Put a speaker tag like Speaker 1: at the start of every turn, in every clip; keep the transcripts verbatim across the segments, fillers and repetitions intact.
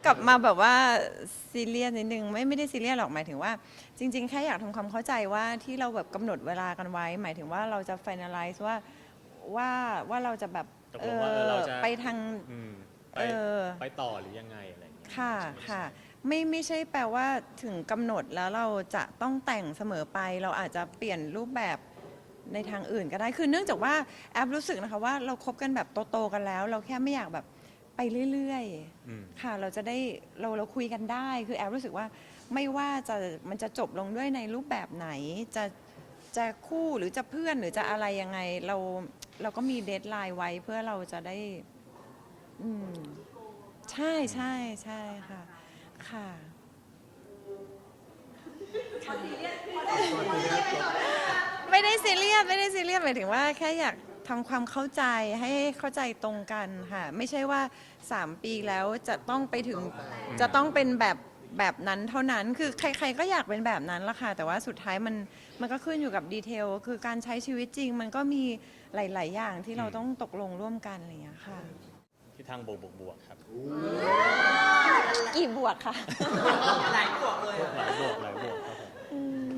Speaker 1: กลับมาแบบว่าซีเรียสนิดนึงไม่ไม่ได้ซีเรียสหรอกหมายถึงว่าจริงๆแค่อยากทำความเข้าใจว่าที่เราแบบกำหนดเวลากันไว้ หมายถึงว่าเราจะ finalize ว่าว่าว่าเราจะแบบ
Speaker 2: ตกลงว่าเออเราจะ
Speaker 1: ไปทาง
Speaker 2: อืมไป
Speaker 1: เออ
Speaker 2: ไปต่อหรือยังไงอะไรอย่างเงี้ย
Speaker 1: ค่ะค่ะไม่ไม่ใช่แปลว่าถึงกำหนดแล้วเราจะต้องแต่งเสมอไป เราอาจจะเปลี่ยนรูปแบบในทางอื่นก็ได้คือเนื่องจากว่าแอปรู้สึกนะคะว่าเราคบกันแบบโตๆกันแล้ว เราแค่ไม่อยากแบบไปเรื่อยๆค่ะเราจะได้เราเราคุยกันได้คือแอปรู้สึกว่าไม่ว่าจะมันจะจบลงด้วยในรูปแบบไหนจะจะคู่หรือจะเพื่อนหรือจะอะไรยังไงเราเราก็มีเดดไลน์ไว้เพื่อเราจะได้อืมใช่ใช่ใช่ค่ะค่ะไม่ได้ซีเรียสไม่ได้ซีเรียสหมายถึงว่าแค่อยากทำความเข้าใจให้เข้าใจตรงกันค่ะไม่ใช่ว่าสามปีแล้วจะต้องไปถึงจะต้องเป็นแบบแบบนั้นเท่านั้นคือใครๆก็อยากเป็นแบบนั้นละค่ะแต่ว่าสุดท้ายมันมันก็ขึ้นอยู่กับดีเทลคือการใช้ชีวิตจริงมันก็มีหลายๆอย่างที่เราต้องตกลงร่วมกันอะไรอย่างเงี้ยค่ะ
Speaker 2: ที่ทางบวกบวกบวกครับ
Speaker 1: กี่บวกค่ะ
Speaker 3: หลายบวกเลย
Speaker 2: หลายบวกหลายบวกครับผม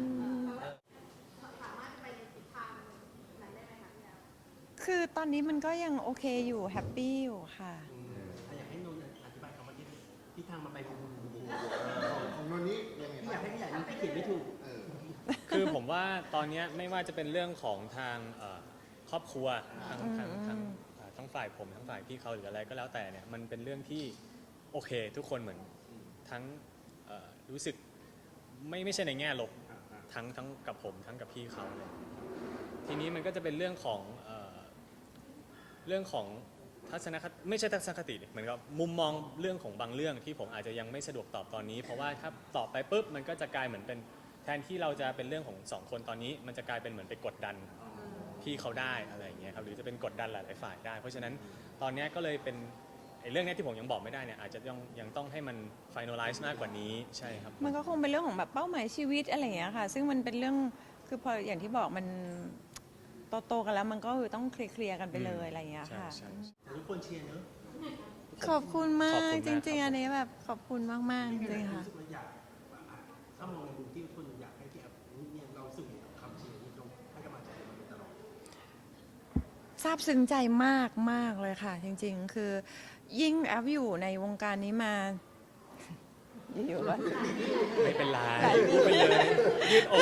Speaker 1: คือตอนนี้มันก็ยังโอเคอยู่แฮปปี้อยู่ค่ะ
Speaker 3: อยากให้นนท์อธิบายคำว่าที่ที่ทางมาไปบูบูบูบู
Speaker 4: ของโนนนี่ยังไง
Speaker 3: พี่อยากให้พี่อยากนี้พี่เขียนไม่ถูก
Speaker 4: เออ
Speaker 2: คือผมว่าตอนเนี้ยไม่ว่าจะเป็นเรื่องของทางเอ่อครอบครัวทั้งทั้งทั้งเอ่อทั้งฝ่ายผมทั้งฝ่ายพี่เขาหรืออะไรก็แล้วแต่เนี่ยมันเป็นเรื่องที่โอเคทุกคนเหมือนทั้งเอ่อรู้สึกไม่ไม่ใช่ในแง่ลบทั้งทั้งกับผมทั้งกับพี่เขาเลยทีนี้มันก็จะเป็นเรื่องของเอ่อเรื่องของทัศนคติไม่ใช่ทัศนคติดิเหมือนกับมุมมองเรื่องของบางเรื่องที่ผมอาจจะยังไม่สะดวกตอบตอนนี้ เพราะว่าถ้าตอบไปปุ๊บมันก็จะกลายเหมือนเป็นแทนที่เราจะเป็นเรื่องของสองคนตอนนี้ มันจะกลายเป็นเหมือนไปกดดันพี่เขาได้อะไรอย่างเงี้ยครับหรือจะเป็นกดดันหลายๆฝ่ายได้ เพราะฉะนั้นตอนนี้ก็เลยเป็นไอ้เรื่องนี้ที่ผมยังบอกไม่ได้เนี่ยอาจจะยังยังต้องให้มัน finalize มากกว่านี้ใช่ครับ
Speaker 1: มันก็คงเป็นเรื่องของแบบเป้าหมายชีวิตอะไรอย่างเงี้ยค่ะ ซึ่งมันเป็นเรื่องคือพออย่างที่บอกมันโตๆกันแล้วมันก็คือต้องเคลียร์ๆกันไปเลยอะไรอย่างเงี้ยค่ะ
Speaker 2: ใช่ใช่
Speaker 3: ทุกคนเชียร์เนอะ
Speaker 1: ขอบคุณมา
Speaker 2: ขอบ
Speaker 1: ก
Speaker 2: คุณ
Speaker 1: จ
Speaker 2: มาก
Speaker 1: ริง
Speaker 2: ค
Speaker 1: ๆ
Speaker 2: รับ
Speaker 1: อันนี้แบบขอบคุณมากๆจริงๆค่ะ
Speaker 3: รู้สึกว่าอยากถ้ามองในมุมที่คนอยากให้พี่แอฟเนี่ยเราสึกกับคำเชียร์ที่เราให้กำลังใจเราตลอด
Speaker 1: ซาบซึ้งใจมากมากเลยค่ะ จริง ๆ คือยิ่งแอฟอยู่ในวงการนี้มา อยู่ๆก็
Speaker 2: ไม่เป็นไรพูดไปเลยยืดอก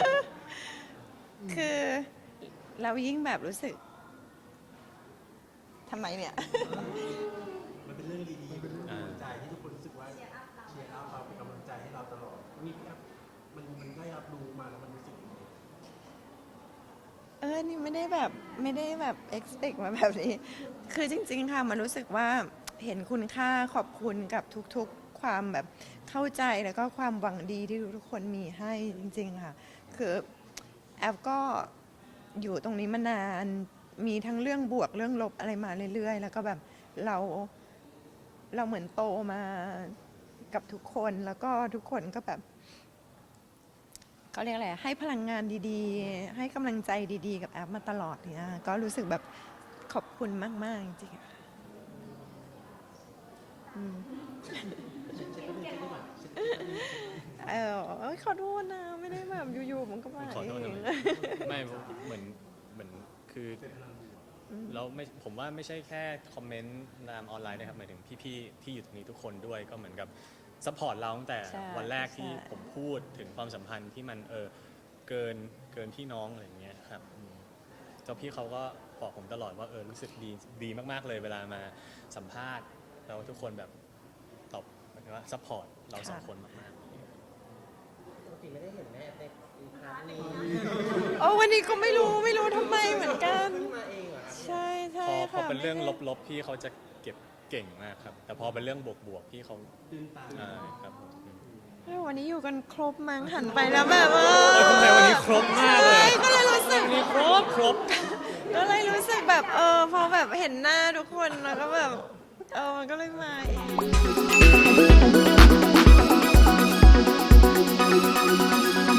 Speaker 1: คือเรายิ่งแบบรู้สึกทำไมเนี่ย
Speaker 3: มันเป็นเรื่องดีๆเป็นเรื่องกำลังใจที่ทุกคนรู้สึกว่าเชียร์อัพเราเป็นกำลังใจให้เราตลอดนี่พี่แอฟมันมันได้รับรู้มาแล้วมันรู้สึกยังไง
Speaker 1: เออ นี่ไม่ได้แบบไม่ได้แบบ expect มาแบบนี้ คือจริง ๆ ค่ะ มันรู้สึกว่าเห็นคุณค่าขอบคุณกับทุกๆ ความแบบเข้าใจแล้วก็ความหวังดีที่ทุกคนมีให้จริง ๆ ค่ะ คือแอฟก็อยู่ตรงนี้มานาน มีทั้งเรื่องบวกเรื่องลบอะไรมาเรื่อยๆ แล้วก็แบบเราเราเหมือนโตมากับทุกคน แล้วก็ทุกคนก็แบบ เขาเรียกอะไรให้พลังงานดีๆ ให้กำลังใจดีๆ กับแอปมาตลอดเนี่ยก็รู้สึกแบบขอบคุณมากๆ จริงๆค่ะอืมเออเอ้ยขอโทษนะ ไม่ได้แบบอยู่ๆมันก็มา
Speaker 2: ขอโทษ
Speaker 1: เอ
Speaker 2: นะ
Speaker 1: ง
Speaker 2: ไม่เหมือนเหมือนคือเราไม่ผมว่าไม่ใช่แค่คอมเมนต์ตามออนไลน์นะครับหมายถึงพี่ๆที่อยู่ตรงนี้ทุกคนด้วยก็เหมือนกับซัพพอร์ตเราตั้งแต่
Speaker 1: ใช่
Speaker 2: วันแรกที่
Speaker 1: ใช่
Speaker 2: ผมพูดถึงความสัมพันธ์ที่มันเออเกินเกินพี่น้องอะไรอย่างเงี้ยครับอืมเจ้าพี่เขาก็บอกผมตลอดว่าเออรู้สึกดีดีมากๆเลยเวลามาสัมภาษณ์แล้วทุกคนแบบตอบหมายถึงว่าซัพพอร์ตเราสองคนมากๆ
Speaker 3: ปกติไม่ได้เห็นแม่ในครั้งนี้
Speaker 1: โอ้วันนี้ก็ไม่รู้ไม่รู้ทำไมเหมือนกัน
Speaker 3: มาเองเหรอ
Speaker 1: ใช่ใช่
Speaker 2: พอพอ
Speaker 1: ค่ะ
Speaker 2: เป็นเรื่อง
Speaker 1: ไม่ได้
Speaker 2: ลบๆพี่เขาจะเก็บเก่งมากครับ แต่พอเป็นเรื่องบวกๆพี่เขา
Speaker 3: ตื่นตา
Speaker 2: อ่าครับผมอืม
Speaker 1: เฮ้ยวันนี้อยู่กันครบมั้งหันไปแล้วแบบเอ
Speaker 2: เออทำไมวันนี้ครบมากเลย
Speaker 1: ใช่ก็เลยรู้สึก
Speaker 2: วันนี้ครบครบ
Speaker 1: ก็เลยรู้สึกแบบเออพอแบบเห็นหน้าทุกคนแล้วก็แบบเออมันก็เลยมาเอง